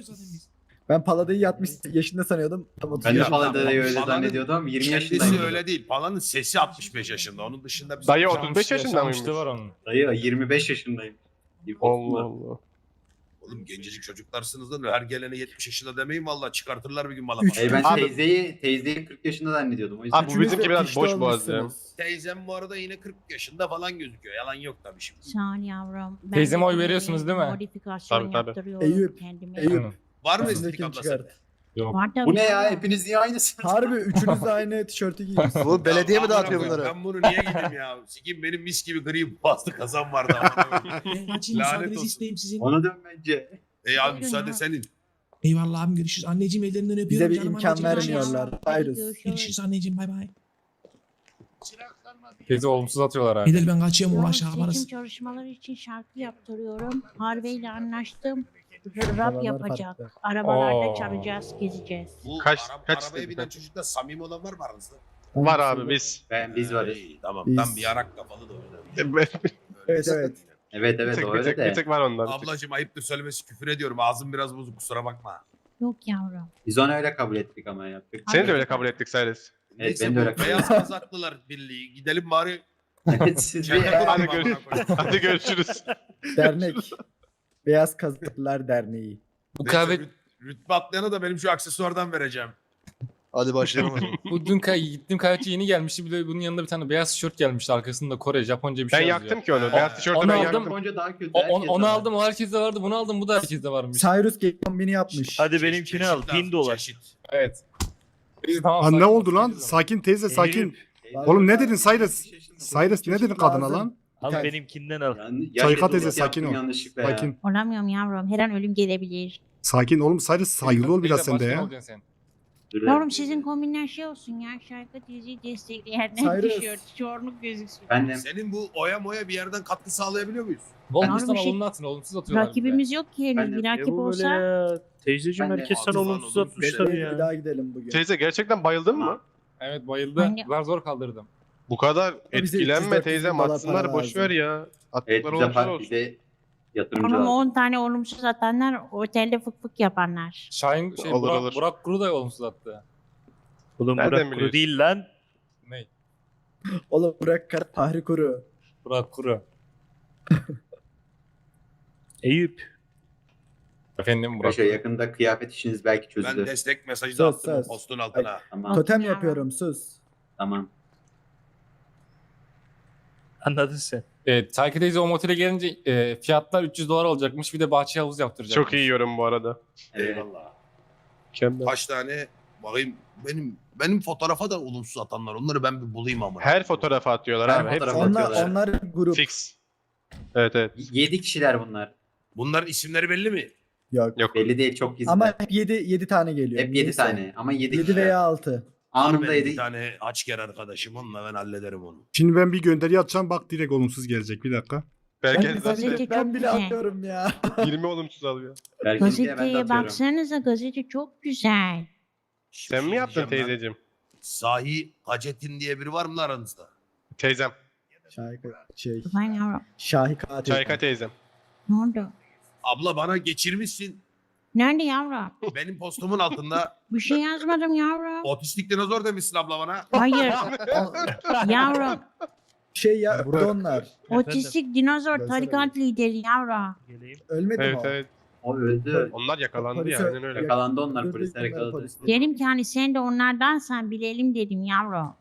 [SPEAKER 5] Ben Palada'yı altmış yaşında sanıyordum. Tam otuz
[SPEAKER 9] Ben de
[SPEAKER 8] Ya,
[SPEAKER 5] yaşında.
[SPEAKER 9] Palada'yı öyle
[SPEAKER 8] Palada'nın
[SPEAKER 9] zannediyordum ama yirmi
[SPEAKER 8] Kendisi
[SPEAKER 9] yaşındayım.
[SPEAKER 8] öyle değil. Palanın sesi altmış beş yaşında. Onun dışında bir
[SPEAKER 6] Dayı otuz beş yaşında mıymış?
[SPEAKER 11] onun.
[SPEAKER 9] Dayı yirmi beş yaşındayım.
[SPEAKER 6] Allah Allah.
[SPEAKER 8] Oğlum gencecik çocuklarsınız lan. Her gelene yetmiş yaşında demeyin vallahi çıkartırlar bir gün bana.
[SPEAKER 5] Üç.
[SPEAKER 9] Ey ben
[SPEAKER 6] Abi-
[SPEAKER 9] teyzeyi, teyzeyi kırk yaşında zannediyordum. O yüzden.
[SPEAKER 6] Abi bu
[SPEAKER 5] Üçünüz
[SPEAKER 6] bizimki
[SPEAKER 5] de
[SPEAKER 6] biraz
[SPEAKER 5] pişti
[SPEAKER 6] boş boğaz ya.
[SPEAKER 5] olmuşsunuz.
[SPEAKER 8] Teyzem bu arada yine kırk yaşında falan gözüküyor. Yalan yok tabii şimdi.
[SPEAKER 12] Sağ ol yavrum. Ben
[SPEAKER 11] Teyzeme
[SPEAKER 12] de
[SPEAKER 11] oy
[SPEAKER 12] böyle
[SPEAKER 11] veriyorsunuz değil mi?
[SPEAKER 12] Modifikasyon
[SPEAKER 6] Tabii, tabii.
[SPEAKER 12] yaptırıyorum
[SPEAKER 5] Eyüp,
[SPEAKER 12] kendime.
[SPEAKER 5] Eyüp.
[SPEAKER 8] Var mı estetik
[SPEAKER 5] Üstündekini
[SPEAKER 8] abla
[SPEAKER 5] çıkart.
[SPEAKER 8] sende?
[SPEAKER 11] Yok.
[SPEAKER 12] Var tabii
[SPEAKER 9] Bu ne ya?
[SPEAKER 12] yavrum.
[SPEAKER 9] Hepiniz niye aynısınız?
[SPEAKER 5] Harbi üçünüz de aynı tişörtü giyiyorsunuz.
[SPEAKER 4] Bu belediye
[SPEAKER 8] Ya
[SPEAKER 4] mi dağıtıyor
[SPEAKER 8] amına
[SPEAKER 4] bunları?
[SPEAKER 8] koyayım, Ben bunu niye giydim ya? Sikim benim mis gibi gri bastı kazan vardı. amına koyayım.
[SPEAKER 5] Ben kaçayım
[SPEAKER 8] Lanet
[SPEAKER 5] müsaadenizi
[SPEAKER 8] olsun.
[SPEAKER 5] isteyeyim sizin.
[SPEAKER 9] Ona dön bence.
[SPEAKER 8] Ey abi
[SPEAKER 12] Buyurun
[SPEAKER 8] müsaade
[SPEAKER 12] ya.
[SPEAKER 8] senin.
[SPEAKER 5] Eyvallah abim görüşürüz. Anneciğim ellerinden öpüyorum. Bize bir canım imkan anneciğim. vermiyorlar.
[SPEAKER 12] Hadi
[SPEAKER 5] Cyrus.
[SPEAKER 12] görüşürüz.
[SPEAKER 5] Görüşürüz anneciğim bay bay.
[SPEAKER 11] Teyze olumsuz atıyorlar abi.
[SPEAKER 5] Bedel ben kaçıyorum
[SPEAKER 12] Yavrum,
[SPEAKER 5] uğraş
[SPEAKER 12] seçim
[SPEAKER 5] yaparız.
[SPEAKER 12] çalışmaları için şarkı yaptırıyorum. Harvey ile anlaştım.
[SPEAKER 5] Arabalar
[SPEAKER 12] Rap yapacak.
[SPEAKER 5] farklı.
[SPEAKER 12] Arabalarda
[SPEAKER 11] Oo.
[SPEAKER 12] çalacağız, gezeceğiz.
[SPEAKER 8] Bu
[SPEAKER 6] Kaç-
[SPEAKER 8] ara-
[SPEAKER 6] kaç
[SPEAKER 8] arabaya
[SPEAKER 6] dedi
[SPEAKER 8] binen
[SPEAKER 6] ben?
[SPEAKER 8] çocukta samimi olan var mı aranızda?
[SPEAKER 6] Var abi biz.
[SPEAKER 9] Ben, biz
[SPEAKER 8] Ha,
[SPEAKER 9] varız.
[SPEAKER 8] iyi, tamam
[SPEAKER 5] Biz-
[SPEAKER 8] tam bir yarak kafalı da öyle.
[SPEAKER 6] bir
[SPEAKER 5] Evet evet.
[SPEAKER 9] Evet
[SPEAKER 6] tek,
[SPEAKER 9] evet o
[SPEAKER 6] bir,
[SPEAKER 9] öyle
[SPEAKER 6] tek, bir
[SPEAKER 9] de.
[SPEAKER 6] tek var ondan. bir tek.
[SPEAKER 8] Ablacım ayıptır söylemesi küfür ediyorum. Ağzım biraz bozuk kusura bakma.
[SPEAKER 12] Yok yavrum.
[SPEAKER 9] Biz onu öyle kabul ettik ama yaptık.
[SPEAKER 6] Seni de öyle kabul ettik Cyrus.
[SPEAKER 8] Neyse
[SPEAKER 9] ben de
[SPEAKER 8] bu
[SPEAKER 9] öyle kabul
[SPEAKER 8] Beyaz Kazaklılar Birliği. Gidelim bari.
[SPEAKER 9] Evet siz
[SPEAKER 8] Çete
[SPEAKER 9] bir...
[SPEAKER 8] kuralım
[SPEAKER 6] Hadi
[SPEAKER 8] amına
[SPEAKER 6] görüşürüz.
[SPEAKER 8] koyayım.
[SPEAKER 6] Hadi görüşürüz.
[SPEAKER 5] Dernek. Beyaz Kazaklılar Derneği.
[SPEAKER 11] Bu
[SPEAKER 8] Neyse,
[SPEAKER 11] kahve,
[SPEAKER 8] rüt- rütbe atlayana da benim şu aksesuardan vereceğim.
[SPEAKER 4] Hadi başlayalım o zaman.
[SPEAKER 11] bu dün kay gittim kahveci yeni gelmişti. Bir de bunun yanında bir tane beyaz tişört gelmişti. Arkasında Kore, Japonca bir
[SPEAKER 6] Ben
[SPEAKER 11] şey
[SPEAKER 6] yaktım
[SPEAKER 11] yazıyor.
[SPEAKER 6] ki onu. Beyaz tişörtü
[SPEAKER 11] onu
[SPEAKER 6] ben
[SPEAKER 11] aldım.
[SPEAKER 6] yaktım.
[SPEAKER 9] Japonca daha kötü.
[SPEAKER 11] O, on-
[SPEAKER 9] herkes
[SPEAKER 11] onu
[SPEAKER 9] var.
[SPEAKER 11] aldım, o herkeste vardı. Bunu aldım, bu da herkeste varmış.
[SPEAKER 5] Cyrus Gate kombini yapmış.
[SPEAKER 10] Hadi
[SPEAKER 8] Çeşit-
[SPEAKER 10] benimkini
[SPEAKER 8] çeşit
[SPEAKER 10] al.
[SPEAKER 8] lazım,
[SPEAKER 10] Bin dolar.
[SPEAKER 8] çeşit.
[SPEAKER 11] Evet. Biz tamam.
[SPEAKER 3] Lan ne
[SPEAKER 11] sakin
[SPEAKER 3] oldu lan?
[SPEAKER 11] ol,
[SPEAKER 3] Sakin teyze sakin.
[SPEAKER 5] Eyüp.
[SPEAKER 3] Oğlum ne dedin Cyrus? Cyrus ne dedin kadına lan?
[SPEAKER 10] Al
[SPEAKER 5] Ters.
[SPEAKER 10] benimkinden al.
[SPEAKER 9] Yani,
[SPEAKER 3] Sayka
[SPEAKER 9] yaş
[SPEAKER 3] teyze,
[SPEAKER 9] yetmiş
[SPEAKER 3] sakin
[SPEAKER 9] yaptım
[SPEAKER 3] ol.
[SPEAKER 9] yanlışlıkla ya.
[SPEAKER 3] Sakin.
[SPEAKER 12] Olamıyorum yavrum. Her an ölüm gelebilir.
[SPEAKER 3] Sakin oğlum Cyrus saygılı ol biraz
[SPEAKER 11] Teyze,
[SPEAKER 3] sen de
[SPEAKER 11] başkan
[SPEAKER 3] ya.
[SPEAKER 11] olacaksın sen.
[SPEAKER 9] Dur,
[SPEAKER 12] Yavrum
[SPEAKER 9] evet.
[SPEAKER 12] sizin kombinler şey olsun ya. Şarkı diziyi destekleyenler
[SPEAKER 5] Cyrus.
[SPEAKER 12] tişört, çorluk gözüksün.
[SPEAKER 9] Ben de
[SPEAKER 8] Senin bu oya moya bir yerden katkı sağlayabiliyor muyuz?
[SPEAKER 11] Volkswagen
[SPEAKER 12] Yavrum, şey-
[SPEAKER 11] olumlu atın, olumsuz atıyorlar. bize.
[SPEAKER 12] Rakibimiz yok ki henüz.
[SPEAKER 9] Ben de-
[SPEAKER 12] Bir
[SPEAKER 10] Ya
[SPEAKER 12] rakip
[SPEAKER 10] bu böyle
[SPEAKER 12] olsa
[SPEAKER 10] ya. Teyzeciğim
[SPEAKER 9] Ben de-
[SPEAKER 10] herkes
[SPEAKER 8] Abi
[SPEAKER 10] sana
[SPEAKER 8] falan
[SPEAKER 10] olumsuz
[SPEAKER 8] olumsuz
[SPEAKER 10] atmış
[SPEAKER 8] şeyler
[SPEAKER 10] tabii
[SPEAKER 5] Bir
[SPEAKER 10] ya.
[SPEAKER 5] daha gidelim bugün.
[SPEAKER 6] Teyze gerçekten bayıldın mı?
[SPEAKER 11] Evet bayıldı.
[SPEAKER 12] Ben de-
[SPEAKER 11] Zar zor kaldırdım.
[SPEAKER 6] Bu kadar
[SPEAKER 5] Bize
[SPEAKER 6] etkilenme
[SPEAKER 5] üç yüz
[SPEAKER 6] teyze.
[SPEAKER 5] dört yüz dolar
[SPEAKER 6] Atsınlar
[SPEAKER 5] para
[SPEAKER 6] boş
[SPEAKER 5] lazım.
[SPEAKER 6] ver ya.
[SPEAKER 9] Evet
[SPEAKER 6] Attıkları
[SPEAKER 9] bize,
[SPEAKER 6] olumsuz
[SPEAKER 9] par-
[SPEAKER 6] olsun.
[SPEAKER 9] bize yatırımcı
[SPEAKER 12] ama
[SPEAKER 9] lazım.
[SPEAKER 12] on tane olumsuz atanlar otelde fık fık yapanlar.
[SPEAKER 11] Şahin şey
[SPEAKER 6] Olur,
[SPEAKER 11] Burak,
[SPEAKER 6] olur.
[SPEAKER 11] Burak Kuru da olumsuz attı.
[SPEAKER 10] Oğlum
[SPEAKER 6] Nereden
[SPEAKER 10] Burak kuru
[SPEAKER 6] biliyorsun?
[SPEAKER 10] değil lan.
[SPEAKER 11] Ne?
[SPEAKER 5] Oğlum bırak kar Fahri Kuru.
[SPEAKER 11] Burak Kuru.
[SPEAKER 10] Eyüp.
[SPEAKER 11] Efendim Burak
[SPEAKER 9] Paşa
[SPEAKER 11] Kuru.
[SPEAKER 9] yakında kıyafet işiniz belki
[SPEAKER 8] Ben
[SPEAKER 9] çözülür.
[SPEAKER 8] destek mesajı da
[SPEAKER 5] Söz,
[SPEAKER 8] attım
[SPEAKER 5] söz.
[SPEAKER 8] postun altına.
[SPEAKER 9] Tamam
[SPEAKER 5] Totem
[SPEAKER 12] Ya.
[SPEAKER 5] yapıyorum sus.
[SPEAKER 9] tamam.
[SPEAKER 10] Anladın sen.
[SPEAKER 11] Evet, Tayki teyze o motele gelince e, fiyatlar üç yüz dolar olacakmış. Bir de bahçe havuz yaptıracakmış.
[SPEAKER 6] Çok iyi yorum bu arada.
[SPEAKER 9] Evet.
[SPEAKER 8] Eyvallah.
[SPEAKER 6] Mükemmel.
[SPEAKER 8] Kaç tane bakayım benim benim fotoğrafa da olumsuz atanlar. Onları ben bir bulayım ama.
[SPEAKER 6] Her fotoğrafa atıyorlar
[SPEAKER 9] Her
[SPEAKER 6] abi. Hepsi
[SPEAKER 9] fotoğrafa
[SPEAKER 5] Onlar,
[SPEAKER 9] atıyorlar.
[SPEAKER 5] onlar grup.
[SPEAKER 6] fix. Evet evet.
[SPEAKER 9] Yedi kişiler bunlar.
[SPEAKER 8] Bunların isimleri belli mi?
[SPEAKER 5] Yok.
[SPEAKER 6] Yok.
[SPEAKER 9] Belli değil, çok gizli.
[SPEAKER 5] Ama hep yedi, yedi tane geliyor.
[SPEAKER 9] Hep yedi
[SPEAKER 5] Neyse.
[SPEAKER 9] tane ama yedi
[SPEAKER 5] yedi
[SPEAKER 9] kişiler.
[SPEAKER 5] veya altı.
[SPEAKER 9] Anında
[SPEAKER 8] Var benim bir
[SPEAKER 9] yedi.
[SPEAKER 8] tane açker arkadaşım. Onunla ben hallederim onu.
[SPEAKER 3] Şimdi ben bir gönderi atacağım bak direkt olumsuz gelecek bir dakika.
[SPEAKER 6] Belki
[SPEAKER 5] Ben,
[SPEAKER 6] zaten
[SPEAKER 12] Gazete
[SPEAKER 5] ben
[SPEAKER 12] çok
[SPEAKER 5] bile
[SPEAKER 12] güzel.
[SPEAKER 5] atıyorum ya.
[SPEAKER 6] yirmi olumsuz alıyor.
[SPEAKER 9] Belki ben de
[SPEAKER 12] Gazeteye
[SPEAKER 9] atıyorum.
[SPEAKER 12] baksanıza, gazete çok güzel.
[SPEAKER 6] Sen mi
[SPEAKER 8] Şey
[SPEAKER 6] yaptın
[SPEAKER 8] diyeceğim ben.
[SPEAKER 6] teyzeciğim?
[SPEAKER 8] Sahi Hacettin diye biri var mı lan aranızda?
[SPEAKER 6] Teyzem.
[SPEAKER 5] Şahika, şey,
[SPEAKER 12] Ben yavrum.
[SPEAKER 5] Şahi katil.
[SPEAKER 6] Çayka teyzem.
[SPEAKER 12] Ne oldu?
[SPEAKER 8] Abla bana geçirmişsin.
[SPEAKER 12] Nerede yavrum?
[SPEAKER 8] Benim postumun altında
[SPEAKER 12] Bir şey yazmadım yavrum.
[SPEAKER 8] otistik dinozor demişsin abla bana.
[SPEAKER 12] Hayır. Yavrum.
[SPEAKER 5] Şey ya, burada onlar.
[SPEAKER 12] Otistik dinozor
[SPEAKER 5] Ben
[SPEAKER 12] tarikat lideri yavrum.
[SPEAKER 5] Ölmedi mi
[SPEAKER 6] Evet
[SPEAKER 5] o?
[SPEAKER 6] evet.
[SPEAKER 9] O öldü.
[SPEAKER 6] Onlar yakalandı
[SPEAKER 5] Polise-
[SPEAKER 6] ya. Aynen öyle.
[SPEAKER 9] Yakalandı onlar,
[SPEAKER 5] Öldürdük
[SPEAKER 9] polisler
[SPEAKER 5] bunları,
[SPEAKER 9] yakaladı.
[SPEAKER 5] polisler.
[SPEAKER 12] Dedim ki hani sen de onlardansan bilelim dedim yavrum.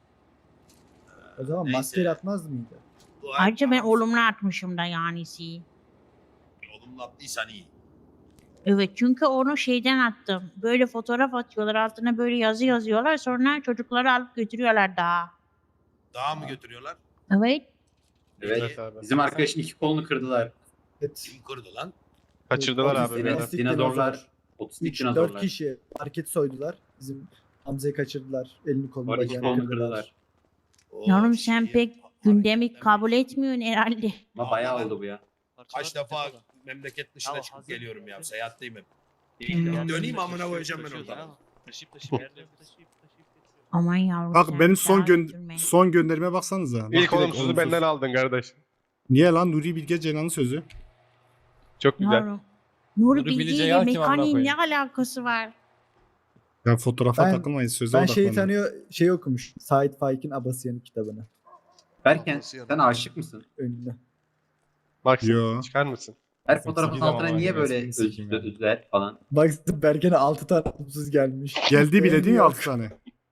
[SPEAKER 5] O zaman
[SPEAKER 8] Neyse.
[SPEAKER 5] maske atmaz mıydı?
[SPEAKER 12] Ayrıca ben olumlu atmışım da yanisi.
[SPEAKER 8] Olumlu attıysan iyi.
[SPEAKER 12] Evet, çünkü onu şeyden attım. Böyle fotoğraf atıyorlar, altına böyle yazı yazıyorlar, sonra çocukları alıp götürüyorlar daha.
[SPEAKER 8] Daha mı götürüyorlar?
[SPEAKER 12] Evet.
[SPEAKER 9] Evet.
[SPEAKER 6] Evet abi.
[SPEAKER 9] Bizim arkadaşın iki kolunu kırdılar.
[SPEAKER 5] Evet.
[SPEAKER 8] Kim kırdı lan?
[SPEAKER 6] Kaçırdılar
[SPEAKER 5] Otistik-
[SPEAKER 6] abi. beni.
[SPEAKER 5] otistik
[SPEAKER 9] Dinozorlar.
[SPEAKER 5] dinozor.
[SPEAKER 9] Otistik
[SPEAKER 5] Üç, dört
[SPEAKER 9] dinozorlar.
[SPEAKER 5] kişi market soydular. Bizim Hamza'yı kaçırdılar. Elini kolunu
[SPEAKER 9] Var iki
[SPEAKER 5] bacağını
[SPEAKER 9] kolunu
[SPEAKER 5] kırdılar.
[SPEAKER 9] kırdılar.
[SPEAKER 8] O
[SPEAKER 12] Yavrum
[SPEAKER 8] şey-
[SPEAKER 12] sen pek gündemi kabul etmiyorsun herhalde.
[SPEAKER 9] Ama bayağı oldu bu ya.
[SPEAKER 8] Kaç defa memleket dışına
[SPEAKER 7] Tamam,
[SPEAKER 8] çıkıp
[SPEAKER 7] hazır.
[SPEAKER 8] geliyorum ya. Seyahatteyim hep.
[SPEAKER 12] Hmm.
[SPEAKER 8] Döneyim amına koyacağım ben
[SPEAKER 7] Taşıyoruz
[SPEAKER 8] oradan.
[SPEAKER 7] ha. Taşıyıp taşıyıp yerleri taşıyıp taşıyıp getiriyoruz.
[SPEAKER 12] Aman yavrum
[SPEAKER 3] Bak
[SPEAKER 12] sen
[SPEAKER 3] benim son
[SPEAKER 12] daha
[SPEAKER 3] gön
[SPEAKER 12] götürme.
[SPEAKER 3] son gönderime baksanıza. Bak
[SPEAKER 6] İlk
[SPEAKER 3] direkt
[SPEAKER 6] olumsuzu
[SPEAKER 3] olumsuz.
[SPEAKER 6] benden aldın kardeş.
[SPEAKER 3] Niye lan Nuri Bilge Ceylan'ın sözü?
[SPEAKER 6] Çok güzel.
[SPEAKER 12] Yavrum. Nuri
[SPEAKER 11] Nuri
[SPEAKER 12] Bilge
[SPEAKER 11] Bilge
[SPEAKER 12] ile
[SPEAKER 11] Ceylan kim amına
[SPEAKER 12] mekaniğin ne
[SPEAKER 11] koyayım?
[SPEAKER 12] alakası var?
[SPEAKER 3] Ya fotoğrafa
[SPEAKER 5] Ben-
[SPEAKER 3] takılmayın söze
[SPEAKER 5] Ben şeyi
[SPEAKER 3] odaklanın.
[SPEAKER 5] tanıyor, şey okumuş. Sait Faik'in Abasıyan'ın kitabını.
[SPEAKER 9] Berken sen aşık mısın?
[SPEAKER 5] Önünde.
[SPEAKER 6] Bak
[SPEAKER 3] Yo.
[SPEAKER 6] çıkar mısın?
[SPEAKER 9] Her fotoğrafın
[SPEAKER 11] sikeceğim
[SPEAKER 9] altına
[SPEAKER 11] ama
[SPEAKER 9] niye
[SPEAKER 11] ya,
[SPEAKER 9] böyle
[SPEAKER 11] seni sikeyim
[SPEAKER 9] öz-
[SPEAKER 11] ya.
[SPEAKER 9] özler falan?
[SPEAKER 5] Bak Bergen'e altı tane olumsuz gelmiş.
[SPEAKER 3] Geldi bile değil mi
[SPEAKER 5] Yok.
[SPEAKER 3] altı tane?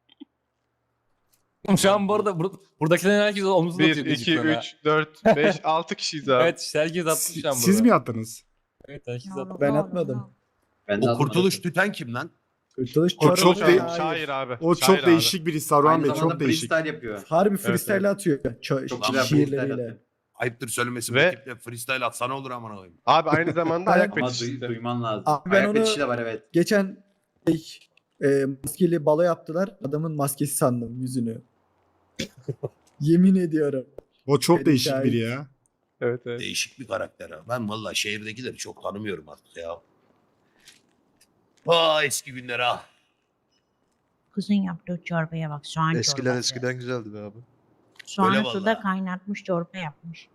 [SPEAKER 11] Şu an bu arada bur- buradakilerin herkes omuzunu
[SPEAKER 6] bir,
[SPEAKER 11] atıyor
[SPEAKER 6] iki,
[SPEAKER 11] gıcıklığına.
[SPEAKER 6] üç, dört, beş, altı kişiyiz abi.
[SPEAKER 11] Evet işte herkes atmış şu an
[SPEAKER 3] Siz,
[SPEAKER 11] burada.
[SPEAKER 3] siz mi attınız?
[SPEAKER 11] Evet herkes
[SPEAKER 12] Yavrum,
[SPEAKER 11] atmış.
[SPEAKER 5] Ben
[SPEAKER 12] ne olur,
[SPEAKER 5] atmadım.
[SPEAKER 12] ne olur.
[SPEAKER 9] Ben de
[SPEAKER 8] O
[SPEAKER 9] atmadım.
[SPEAKER 8] kurtuluş tüten kim lan?
[SPEAKER 5] Kurtuluş
[SPEAKER 3] O çok
[SPEAKER 5] Çorumlu
[SPEAKER 3] değil-
[SPEAKER 5] şair.
[SPEAKER 6] Şair abi.
[SPEAKER 3] O
[SPEAKER 6] şair
[SPEAKER 3] çok
[SPEAKER 6] abi.
[SPEAKER 3] değişik biri Saruhan
[SPEAKER 9] Aynı
[SPEAKER 3] Bey
[SPEAKER 9] zamanda
[SPEAKER 3] çok değişik.
[SPEAKER 9] freestyle yapıyor.
[SPEAKER 5] Harbi freestyle atıyor. Ço-
[SPEAKER 9] Çok güzel freestyle
[SPEAKER 5] şiirleriyle.
[SPEAKER 9] atıyor.
[SPEAKER 8] Ayıptır söylemesi.
[SPEAKER 6] Ve-
[SPEAKER 8] Ve... Ekiple freestyle atsana olur amına koyayım.
[SPEAKER 6] Abi aynı zamanda
[SPEAKER 5] Ben-
[SPEAKER 6] ayak
[SPEAKER 9] Ama
[SPEAKER 6] fetişisti.
[SPEAKER 9] duy- duyman lazım.
[SPEAKER 5] Abi ben
[SPEAKER 9] Ayak
[SPEAKER 5] onu-
[SPEAKER 9] fetişi de var evet.
[SPEAKER 5] Geçen şey, e, maskeli balo yaptılar. Adamın maskesi sandım yüzünü. Yemin ediyorum.
[SPEAKER 3] O çok
[SPEAKER 5] Benim
[SPEAKER 3] değişik
[SPEAKER 5] şahit.
[SPEAKER 3] biri ya.
[SPEAKER 6] Evet evet.
[SPEAKER 8] Değişik bir karakter ha. Ben valla şehirdekileri çok tanımıyorum artık ya. Vay eski günler ha.
[SPEAKER 12] Kızın yaptığı çorbaya bak, soğan çorbası.
[SPEAKER 4] güzeldi be abi.
[SPEAKER 12] Soğanı
[SPEAKER 8] Öyle
[SPEAKER 12] suda
[SPEAKER 8] vallahi.
[SPEAKER 12] kaynatmış, çorba yapmış.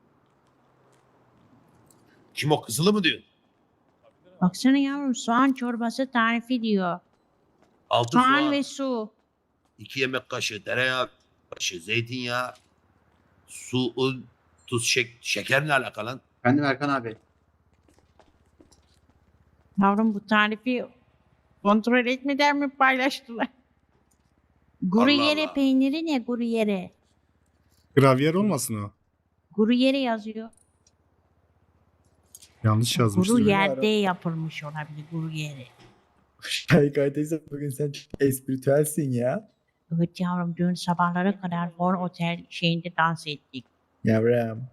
[SPEAKER 8] Kim o kızılı mı diyorsun?
[SPEAKER 12] Baksana yavrum, soğan çorbası tarifi diyor.
[SPEAKER 8] Altı
[SPEAKER 12] Soğan
[SPEAKER 8] soğan,
[SPEAKER 12] ve su.
[SPEAKER 8] iki yemek kaşığı tereyağı, kaşığı zeytinyağı, su, un, tuz, şek şeker ne alaka lan?
[SPEAKER 9] Efendim Erkan abi.
[SPEAKER 12] Yavrum bu tarifi kontrol etmeden mi paylaştılar? Gruyere
[SPEAKER 8] Allah.
[SPEAKER 12] peyniri ne gruyere?
[SPEAKER 3] Gravyer olmasın o.
[SPEAKER 12] Gruyere yazıyor.
[SPEAKER 3] Yanlış yazmıştır.
[SPEAKER 12] Guru
[SPEAKER 5] Gruyere.
[SPEAKER 12] yerde yapılmış olabilir gruyere.
[SPEAKER 5] Şahika teyze bugün sen çok espritüelsin ya.
[SPEAKER 12] Evet yavrum, dün sabahlara kadar Fon Otel şeyinde dans ettik.
[SPEAKER 5] Yavrum.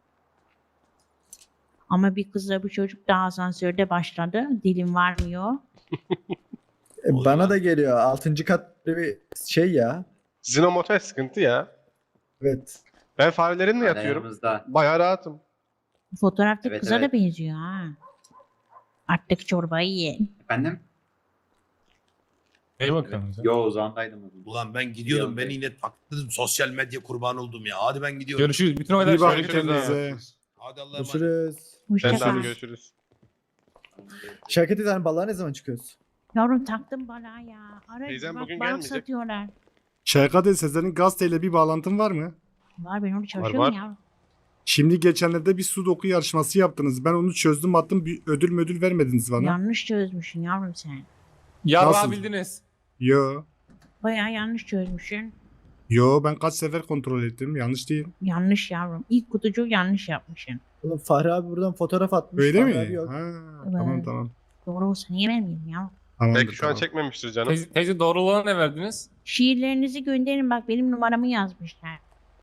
[SPEAKER 12] Ama bir kızla bir çocuk da asansörde başladı. Dilim varmıyor.
[SPEAKER 5] E,
[SPEAKER 8] Oluyor
[SPEAKER 5] bana
[SPEAKER 8] lan.
[SPEAKER 5] da geliyor. Altıncı kat bir şey ya.
[SPEAKER 6] Sizin o motel sıkıntı ya.
[SPEAKER 5] Evet.
[SPEAKER 6] Ben farelerimle
[SPEAKER 9] Hala
[SPEAKER 6] yatıyorum.
[SPEAKER 9] yanımızda.
[SPEAKER 6] Bayağı rahatım.
[SPEAKER 12] Fotoğraftaki
[SPEAKER 9] Evet,
[SPEAKER 12] kıza
[SPEAKER 9] evet.
[SPEAKER 12] da benziyor ha. Artık çorbayı ye.
[SPEAKER 9] Efendim?
[SPEAKER 11] Neye bakıyorsunuz ya?
[SPEAKER 9] Yo uzağındaydım.
[SPEAKER 8] Ulan ben gidiyordum.
[SPEAKER 9] Yok
[SPEAKER 8] Ben
[SPEAKER 9] be.
[SPEAKER 8] yine taktım sosyal medya kurbanı oldum ya. Hadi ben gidiyorum.
[SPEAKER 11] Görüşürüz. Bütün olaylar
[SPEAKER 3] İyi bakın
[SPEAKER 6] Görüşürüz abi.
[SPEAKER 3] kendinize.
[SPEAKER 8] Hadi Allah'a emanet.
[SPEAKER 5] Görüşürüz.
[SPEAKER 12] Hoşça
[SPEAKER 6] Ben de
[SPEAKER 12] kal.
[SPEAKER 6] abi görüşürüz.
[SPEAKER 5] Şahika teyze hani balığa ne zaman çıkıyoruz?
[SPEAKER 12] Yavrum taktım balığa ya. Ara
[SPEAKER 6] Teyzem
[SPEAKER 12] bak,
[SPEAKER 6] bugün
[SPEAKER 12] balık
[SPEAKER 6] gelmeyecek.
[SPEAKER 12] satıyorlar.
[SPEAKER 3] Şahika Sezer'in gazeteyle bir bağlantın var mı?
[SPEAKER 12] Var, ben orada çalışıyorum
[SPEAKER 6] var.
[SPEAKER 12] yavrum.
[SPEAKER 3] Şimdi geçenlerde bir sudoku yarışması yaptınız. Ben onu çözdüm attım. Bir ödül müdül vermediniz bana.
[SPEAKER 12] Yanlış çözmüşsün yavrum sen.
[SPEAKER 11] Ya
[SPEAKER 3] Nasıl?
[SPEAKER 11] bildiniz.
[SPEAKER 3] Yo.
[SPEAKER 12] Bayağı yanlış çözmüşsün.
[SPEAKER 3] Yo ben kaç sefer kontrol ettim. Yanlış değil.
[SPEAKER 12] Yanlış yavrum. İlk kutucuğu yanlış yapmışsın.
[SPEAKER 5] Oğlum Fahri abi buradan fotoğraf atmış.
[SPEAKER 3] Öyle
[SPEAKER 5] Fahri
[SPEAKER 3] mi?
[SPEAKER 5] abi yok.
[SPEAKER 3] Ha,
[SPEAKER 12] Evet.
[SPEAKER 3] tamam tamam.
[SPEAKER 12] Doğru olsa niye vermeyeyim ya?
[SPEAKER 3] Tamamdır,
[SPEAKER 6] Belki şu an
[SPEAKER 3] tamam.
[SPEAKER 6] çekmemiştir canım.
[SPEAKER 11] Teyze, teyze doğru olana ne verdiniz?
[SPEAKER 12] Şiirlerinizi gönderin bak benim numaramı yazmışlar.